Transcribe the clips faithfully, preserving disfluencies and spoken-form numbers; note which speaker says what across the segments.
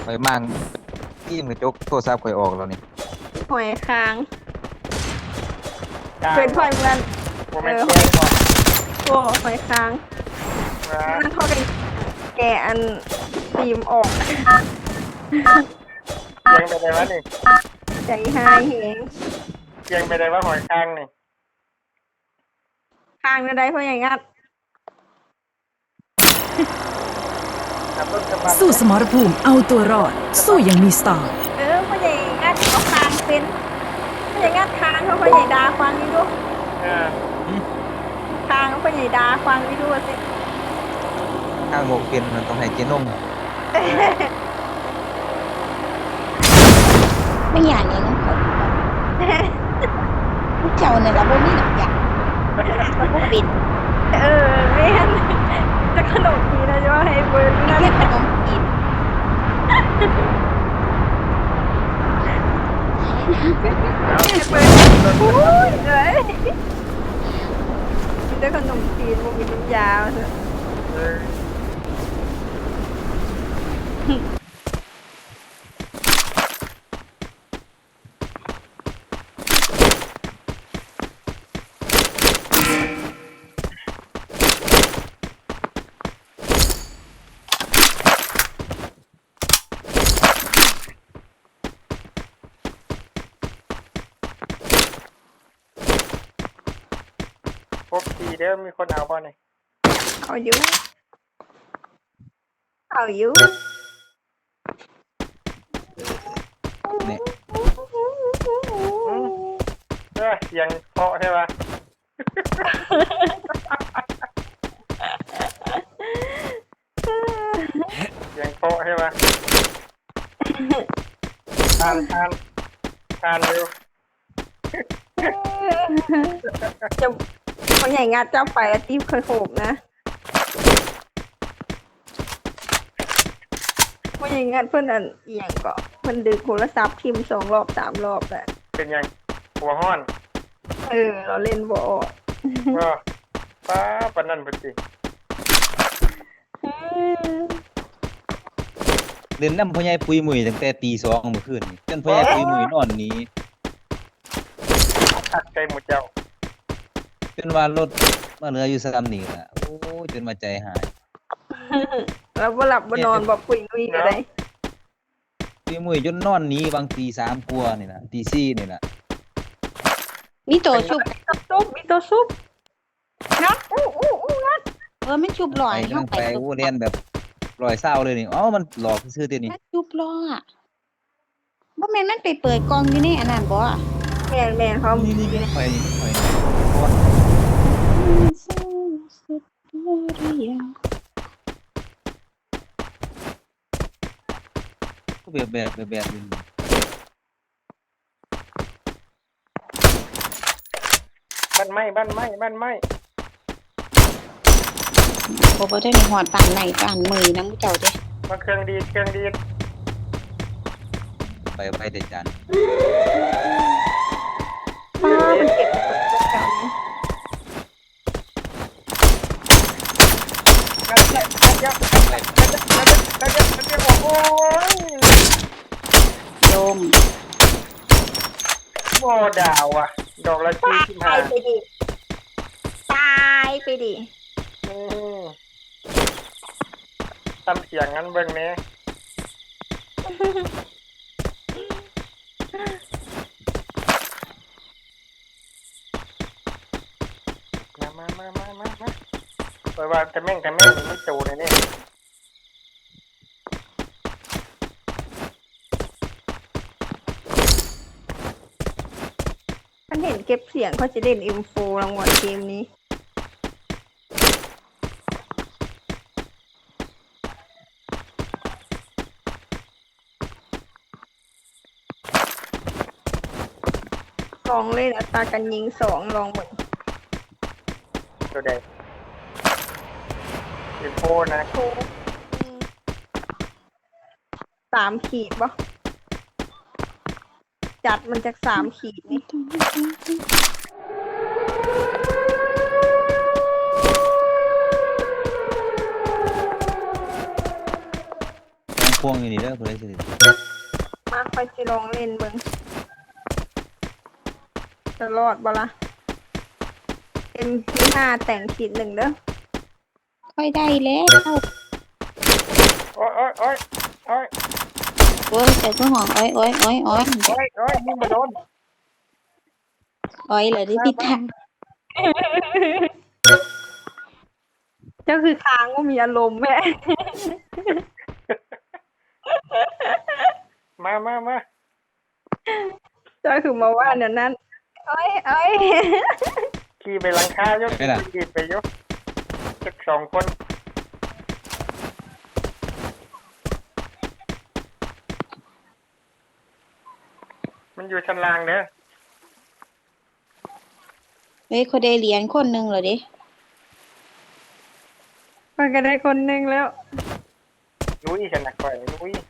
Speaker 1: อยมั่งที่มกระจกโทรศัพท์ข่อยออกแล้วนี่
Speaker 2: หอยค้าง
Speaker 3: กลาง
Speaker 2: เป็นหอยมัน
Speaker 3: โมเมนต์แย่ก่อน
Speaker 2: โอ้หอยค้างนั่นเขาเป็นแกะอันตีมออก
Speaker 3: ยังไปได้วะนี่
Speaker 2: ใจหายเหง
Speaker 3: ยังไปได้ว่าหอยค้างนี่
Speaker 2: ค้างได้เพราะอย่างงัด
Speaker 4: สู้สมรภูมิเอาตัวรอดสู้อย่างมีสไตล์
Speaker 2: เออเพราะอย่างงัดเขาค้างเป็นเพราะอย่างงัดค้างเขาเพราะอย่างดาฟังนี่ดูค้างเขาเพราะอย่างดาฟังนี่ดูสิ
Speaker 1: ข้างโบกเป็นมันต้องให้เจนม
Speaker 5: ไม่อยากเนี่ยน้องเขาลูกเจ้าเนี่ยเราบ่มีหลักอย่างพวกบิน
Speaker 2: เออไม่เห็นจะขนมทีนะจะว่าให้เบิร์นนั่น
Speaker 5: เรียกขนมกิน
Speaker 2: เบิร์นโอ้ยเลยจะขนมจีนมันมีน้ำยาเถอะ
Speaker 3: พบทีเด้อมีคนเอาบ่เนี่ย
Speaker 2: เอาอยู่เอาอยู่
Speaker 1: เนี่ย
Speaker 3: เออเสียงเพาะใช่ปะเสียงเพาะใช่ปะทานทานทานเร็ว
Speaker 2: จะคนใหญ่งัดเจ้าไปอาทิตย์เคยโขกนะคนใหญ่งัดเพื่อนอันเอียงก็เพื่อนดึงโทรศัพท์พิมพ์สองรอบสามรอบแหละ
Speaker 3: เป็นยังหัวห้อน
Speaker 2: เออเราเล่นบ่อ
Speaker 3: ก็ป้าปนนั่นปจิ
Speaker 1: เล่นน้ำพ่อใหญ่ปุยมุยตั้งแต่ตีสองเมื่อคืนนี่จนพ่อใหญ่ปุยมุยนอนนี้
Speaker 3: ตัดใจหมดเจ้า
Speaker 1: จนว่ารถมาเหลืออยู่สามนี่ล่ะโอ้จนมาใจหาย
Speaker 2: แล้วบ่หลับบ่นอนบ่ปุยมุยอะไร
Speaker 1: ปุยมุยจนนอนนี้บางตีสามกว่านี่นะตีสี่นี่นะ
Speaker 5: มีตัวชุบ
Speaker 2: ซุบมีตัวซุบงัดอู้อู้อู้งัด
Speaker 5: เออมันชุบลอย
Speaker 1: เข้าไปโอ้เล่นแบบลอยเศร้าเลยนี่อ๋อมันหลอกซื่อๆตัวนี้
Speaker 5: ชุบลอยอ่ะบ่แม่นมันไปเปิดกล่องอยู่ในอันนั้นบ่
Speaker 2: แม่นแม่นเขา
Speaker 1: นี่นี่นี่ไปนี่ไปก็แบบแบบแบบแบบนึง
Speaker 3: บ้านไม้บ้านไม้บ้านไม้
Speaker 5: บ่บ่ได้ในหอดปานไหนปานมือน้ำเจ้าเด้
Speaker 3: มาเครื่องดีเครื่องดี
Speaker 1: ไปไปเด็ดจาน
Speaker 2: ป้ามันเก็บประจำ
Speaker 3: กันเยอะกันเยอะกันเยอะกันเยอะกันเยอะกันเยอะโอ้ย
Speaker 5: โยม
Speaker 3: โม่ดาวอ่ะดอกละสี่สิบห้า
Speaker 2: ตายไปดิตายไปดิ
Speaker 3: ทำเสียงงั้นเบิ่งแม่มามามามามามาไปว่าแต่แม่งแต่แม่งไม่โตเลยเนี่ย
Speaker 2: ฉันเห็นเก็บเสียงเขาจะเล่นอินโฟรางวัลเกมนี้ลองเล่นอัตราการยิงสองลองหมด
Speaker 3: ตัวใดอินโฟนะ
Speaker 2: สามขีดปะจัดมันจากสามขีดนี่
Speaker 1: พวงอยู่นี่เด้อผู้ใดสิ
Speaker 2: มาคอยสิลองเล่นเบิ่งจะรอดบ่ล่ะเป็นที่ห้าแต่งขีดหนึ่งเด้อ
Speaker 5: ค่อยได้แล้ว
Speaker 3: โอ้ยโอ้ยโอ้ยโอ้ย
Speaker 5: โอ้ยแต่ก็ห้องอ้อยอ้อยอ้อยอ้อย
Speaker 3: โอ้ยโอ้ยยิงมาโดน
Speaker 5: อ้อยเลยดิพี่ตา
Speaker 2: เจ้าคือค้างว่ามีอารมณ์แม่
Speaker 3: มามามา
Speaker 2: เจ้าคือมาว่าเนี่ยนั้นเอ้ยเอ้ย
Speaker 3: ขี่ไปหลังคายกขี่ไปยกจักสองคนมันอยู่ชั้นล่างเด้อ
Speaker 5: เฮ้ยเขาได้เหรียญคนหนึงเหรอดิ
Speaker 2: มันก็ได้คนหนึ่งแล้ว
Speaker 3: ลุยฉันนักก่อยลุย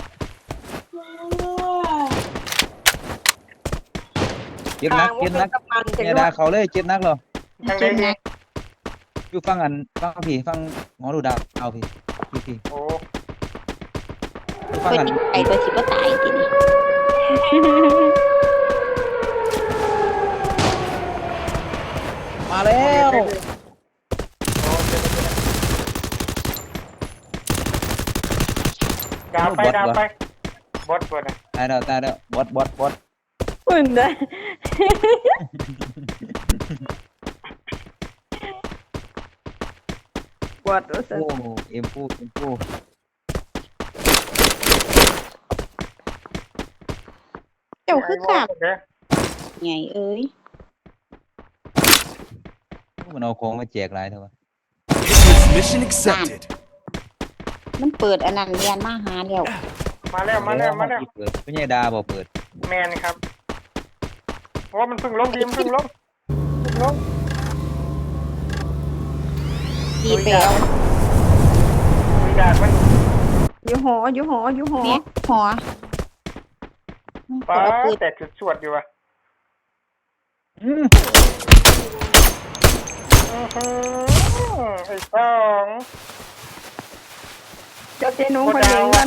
Speaker 1: เจ็ดนักเจ็ดนัก
Speaker 2: กับมันจะ
Speaker 1: เนี่ย
Speaker 2: ด้ว
Speaker 1: ดาย เขาเลยเจ็ดนักเหรอ
Speaker 3: ทาง
Speaker 5: เจ็
Speaker 3: ใด
Speaker 5: บ
Speaker 3: ดี
Speaker 5: นะ
Speaker 1: อยู่ฟังอันฟังพี่ฟังหมอดูดาวเอาพี่พี่พี่
Speaker 3: โอ้
Speaker 1: อยู่ฟัง
Speaker 5: เพิ่น
Speaker 1: อัน
Speaker 5: ยิงไปตัวสิบ่ตายทีนี้
Speaker 1: มาแล้ว
Speaker 3: ดาวไปดาวไปบดบดนะ
Speaker 1: ตายแล้วตายแล้วบอสบอสบอส
Speaker 2: อุ่นได้ปวดรู้สึก
Speaker 1: โอ้เอ็มพูเอ็มพู
Speaker 5: เจ้าคือขับ
Speaker 3: เด้อ
Speaker 5: ไงเอ้ย
Speaker 1: มันเอาของมาแจกหลายเท่าไหร่
Speaker 6: Mission accepted.
Speaker 5: มันเปิดอันนั้นเรียนมาหาแล้ว
Speaker 3: มาแล้วมาแล้วมาแล้ว
Speaker 1: เปิดไม่ใช่ดาบอกเปิด
Speaker 3: แมนครับเพราะว่ามันเพิ่งลงทีมเพิ่งลงเพิ่งลง
Speaker 5: ดีไปแล้ว
Speaker 3: มีดาดมัน
Speaker 2: อยู่หออยู่หออยู่หอ
Speaker 5: เนี่ยหัว
Speaker 3: ป้า
Speaker 5: เอาปืน
Speaker 3: แต่จุดสวดอยู่ว่ะ
Speaker 1: อืม
Speaker 3: อื้อหือไอ้สอง
Speaker 2: เจ้าเจนุ้งคนเลี้ยงกัน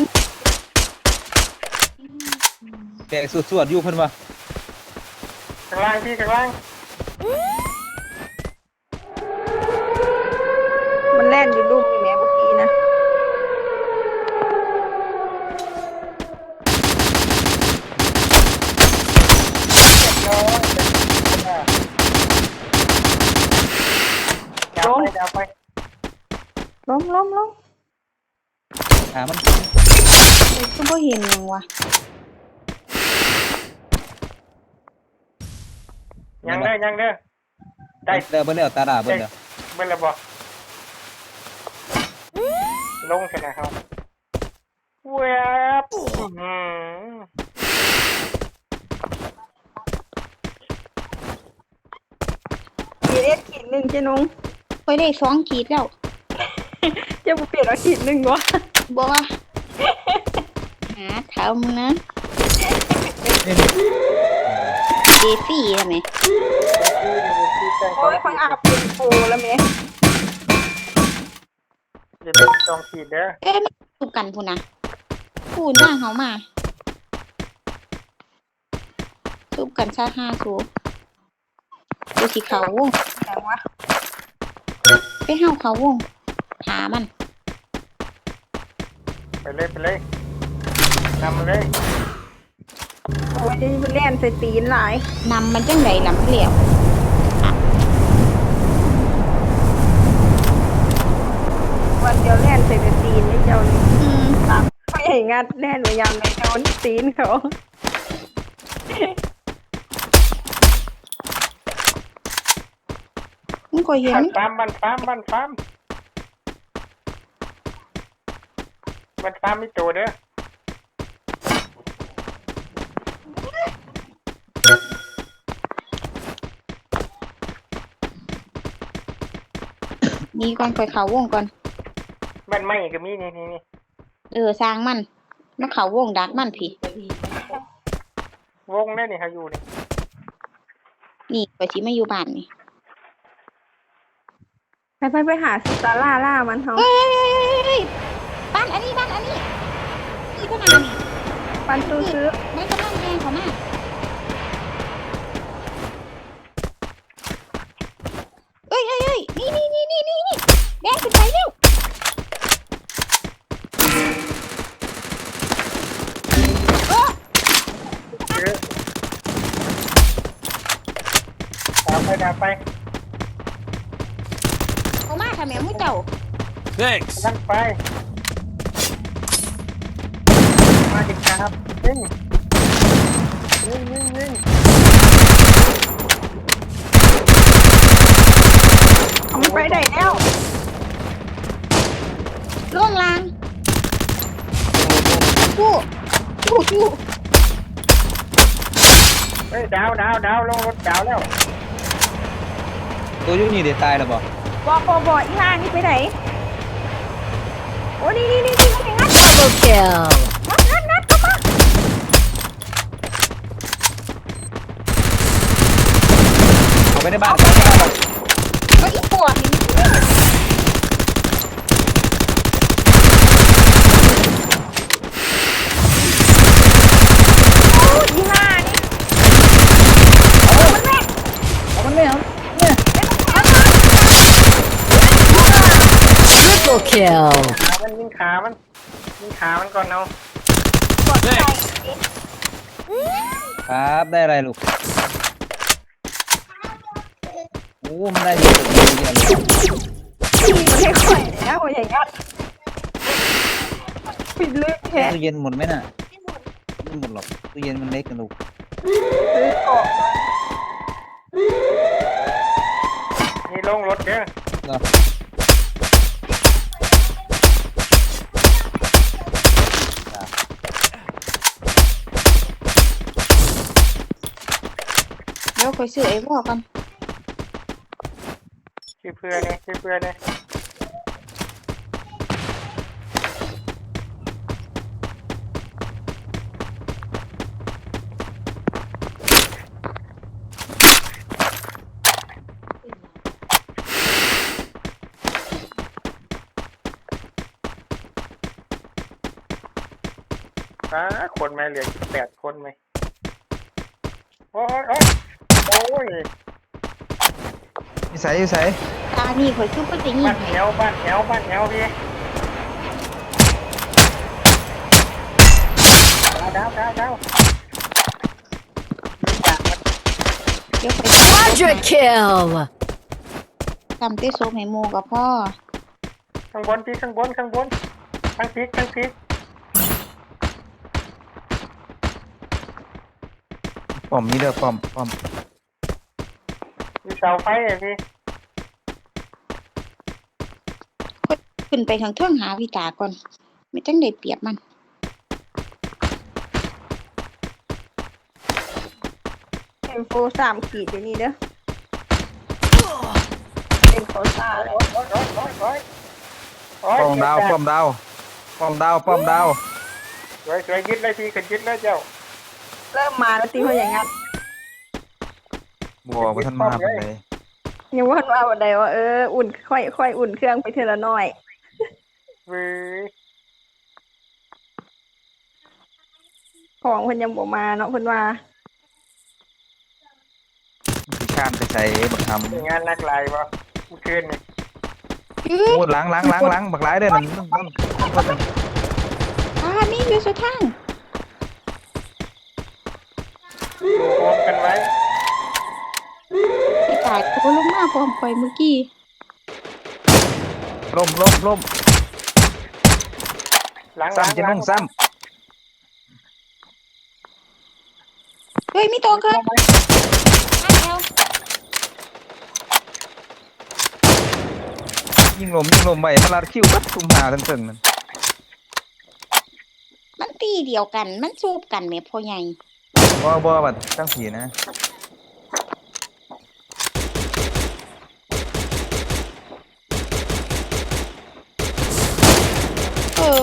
Speaker 1: แตกสวดๆอยู่เพิ่นว่า
Speaker 3: ข้างล่างพี่ข้างล่าง
Speaker 2: มันแล่นอยู่ลูกนี่แม่เมื่อกี้นะ
Speaker 3: ดาวไปดาวไป
Speaker 2: ล้มล้มล้ม
Speaker 1: ขามัน
Speaker 5: ก็บ่เห็นหยังวะ
Speaker 3: ยังเด้อยังเด้อได้
Speaker 1: เด้อเบิ่นแล้วตาดาเบิ่นแล้ว
Speaker 3: เบิ่งแล้วบ่ลงชนะครับแวบอื้อหือ
Speaker 2: ขีดเอสขีดหนึ่งเจนุ้ง
Speaker 5: ค่อยได้สองขีดแล้ว
Speaker 2: เจ้าบุเปลี่ยนเอาขีดหนึ่งวะ
Speaker 5: บ่ว่าหาทำนะเดฟี่ทำไม
Speaker 2: โอ้ยคนอาบเป็นโฟแล้วแม่
Speaker 3: อย่าเป็นจองขีดเด้อ
Speaker 5: เอ้ยไม่ถูกกันพูนนะพูนหน้าเขามาสูบกันซาห้าสูดูสิเขาวง
Speaker 2: แต่ว่า
Speaker 5: ไปเห้าเขาวงหามัน
Speaker 3: ไปเลยไปเลยนำมาเลย
Speaker 2: โอ้ยนี่มันแล่นใส่ตีนหลาย
Speaker 5: นำมันจังไดลำเหลี่ยว
Speaker 2: วันเดียวแล่นใส่แต่ตีนนี่เจ้านี่
Speaker 5: อืม
Speaker 2: ตามไม่ให้งัดแล่นพยายามในโดนตีนเขา
Speaker 5: มันก็เห็น
Speaker 3: บันฟาร์มบันฟาร์มบันฟาร์มบันฟาร์มมีตัวเด้อ
Speaker 5: มีก่อนคอยเขาวงก่อน
Speaker 3: บ้านไม้ก็มีนี่นี่นี่
Speaker 5: เออสร้างมันมาเขาวงดักมันพี่
Speaker 3: วงได้นี่เขาอยู่นี่
Speaker 5: นี่ไปสิมาอยู่บ้านนี่
Speaker 2: ไปไปไปหาสตาร่าล่ามันเขา
Speaker 5: เฮ้ยเฮ้ยเฮ้ยเฮ้ยบ้านอันนี้บ้านอันนี้ก็นานนี่
Speaker 2: ปันซื้อซื้อ
Speaker 5: ไม่กำลังแดงเขามาเอ้ยเอ้ยเอ้ยนี่นี่นี่นี่นี่นี่แดงขึ้นไปเร็ว
Speaker 3: เยอะดาวไปดาวไป
Speaker 5: เขามาค่ะแม่มุ้ยเจ้า
Speaker 6: Thanks.
Speaker 3: นั่นไปมาดิครับยิงยิงยิงยิง
Speaker 2: เอามันไปได้แล้ว
Speaker 5: ล่วงลางกู้กู้กู้
Speaker 3: เฮ้ยดาวดาวดาวลงรถดาวแล้ว
Speaker 1: ตัวอยุ่นี่เดี๋ยวตายแล้วบ่
Speaker 2: บอบอบออีห่านี่ไปไหนโอ้นี่นี่นี่นี่นี่งัด
Speaker 4: Double kill.
Speaker 2: งัดงัดงัดเข้ามา
Speaker 1: เอาไปในบ้าน
Speaker 5: เฮ้ยอีปวดนี่
Speaker 2: โอ้อีห่านี่เอามันแม่
Speaker 1: เอามันไม่เอาเนี่ย
Speaker 4: Triple kill.
Speaker 3: ขามันยิงขามันยิงขามันก่อนเอา
Speaker 2: กดใส่
Speaker 1: ครับได้อะไรลูกโอ้มันได้เยอะเยอะเยอะเลย
Speaker 2: ที่มันให้ข่อยนะข่อยอย่างงัดปิดลึกแค่
Speaker 1: ตู้เย็นหมดไหมน่ะไม่หมดหรอกตู้เย็นมันเล็กกันลูก
Speaker 2: ซื้อของ
Speaker 3: นี่ลงรถเด้อ
Speaker 1: ก็
Speaker 5: เดี๋ยวคอยซื้อไอ้พ่อกัน
Speaker 3: ชื่อเพื่อนเนี่ยชื่อเพื่อนเนี่ย อ่าคนไหมเหลือสิบแปดคนไหมโอ้ยโอ้ยโอ้ย
Speaker 1: นิสัยนิสัย
Speaker 5: ตานี่คอยซื้อไปติง
Speaker 3: บ้านแถวบ้านแถวบ้านแถวพี่ดาวดาวดาว
Speaker 5: เดี๋ยวไป
Speaker 4: Quadra kill.
Speaker 5: ทำเต้โซให้โมกับพ่อ
Speaker 3: ข้างบนพี่ข้างบนข้างบนข้างพีกข้างพีก
Speaker 1: ป้อมนี้เด้อป้อมป้อม
Speaker 3: มีเสาไฟอ่ะพี่
Speaker 5: ขึ้นไปทางเทื่องหาวิตาก่อน ไม่จังได้เปรียบมัน
Speaker 2: เอ็มโฟสามขีดอยู่นี่เด้อเอ็มโฟซ่าเลย
Speaker 3: โอ้ยโอ้ยโอ้ยโอ้ยโอ้ยโอ้ย
Speaker 1: ป้อมดาวป้อมดาวป้อมดาวป้อมดาว
Speaker 3: สวยสวยยึดเลยพี่ขึ้นยึดเลยเจ้า
Speaker 2: เริ่มมาแล้วตีเขาอย่างงัด
Speaker 1: บัวว่าท่านมาเป็นไร
Speaker 2: ยังว่าว่าวันใดว่าเอออุ่นค่อยค่อยอุ่นเครื่องไปเทละน้อย
Speaker 3: เว้ย
Speaker 2: ของเพิ่นยังบ่มาเนาะเพิ่นว่า
Speaker 1: พี่ข้ามไปใส่บักทำ
Speaker 3: เป็นงานนักลายป่ะเมื่อคืนนี่
Speaker 5: อื้อ
Speaker 1: โอ้ล้างล้างล้างล้างบักหลายเด้อนั่นนั่นนั่นนั่น
Speaker 5: ตานี่อยู่สุดทาง
Speaker 3: อยู่รวมกันไว้
Speaker 5: วิตาตัวลงมาพร้อมคอยเมื่อกี้
Speaker 1: ล่มล่มล่ม
Speaker 3: หลังหลัง
Speaker 1: ซ้ำจะนุ่งซ้
Speaker 5: เฮ้ยมีตัวเกินมาแล้ว
Speaker 1: ำยิงลมยิงลมไปมาลาดคิ้วปั๊บทุ่มหาทั้งตึงนั่น
Speaker 5: มันตีเดียวกัน มันซูบกันแม่พ่อใหญ่
Speaker 1: บ่บ่บัดตั้งผีนะ
Speaker 5: เออ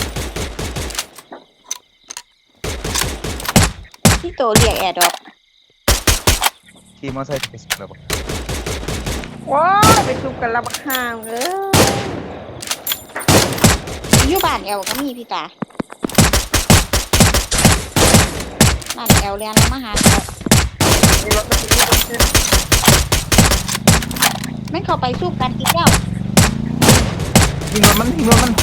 Speaker 5: ที่โตเรียกแอร์ดอก
Speaker 1: ขี่มอเตอร์ไซค์ไปสุดแล้วบ่
Speaker 2: ว้ายไปซุบกันละบักห่างเออ
Speaker 5: อยู่บ้านแอลก็มีพี่ตานั่นแอลเรียนแล้วมาหาเขา
Speaker 3: มีรถไม่มีรถกิน
Speaker 5: แม่นเข้าไปสู้กันอีกแล้ว
Speaker 1: ยิงรถมันยิงรถมัน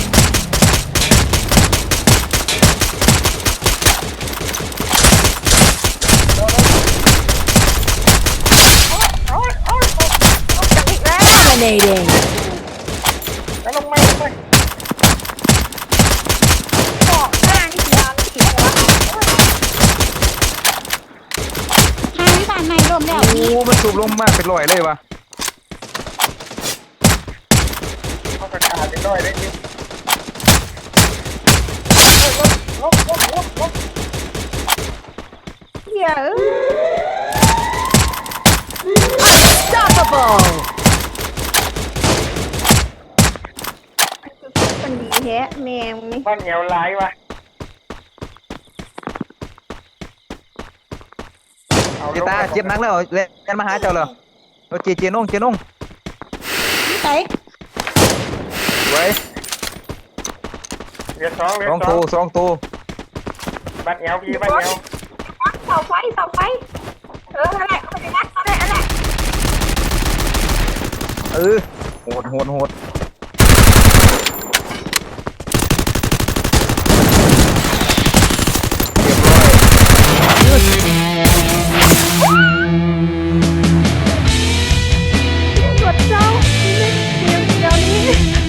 Speaker 3: โอ้ยโอ้ย
Speaker 2: จังอีกแล้ว
Speaker 4: Dominating.
Speaker 3: แล้วลงมาลงไป
Speaker 2: บอกหน้านี่ยาวนี่วะ
Speaker 5: ทางวิบานในร่มแล้ว
Speaker 1: โอ้มันสูบลงมากเป็นร้อยเลยวะ
Speaker 3: เขากระจายไปด้วยได้ดิลบลบลบลบ
Speaker 2: เหี้ยเอ้ย
Speaker 4: Unstoppable.
Speaker 2: มันดีแฮะแมงนี่
Speaker 3: บ้านเหนียวร้ายวะ
Speaker 1: เจตาเจ็บหนักแล้วเล่นมาหาเจ้าเลยเอาเจเจนงเจนง
Speaker 5: นี่ไส
Speaker 1: ไว้
Speaker 3: เหลือสองเหลือ
Speaker 1: สอง
Speaker 3: สอ
Speaker 1: ตัว
Speaker 3: ง
Speaker 1: สองตัว
Speaker 3: บ้านเหนียวพี่บ้านเหนียว
Speaker 2: เสาไฟเสาไฟเอออะไรเอาไปนักอะไรอะไร
Speaker 1: เออโหดโหดโหด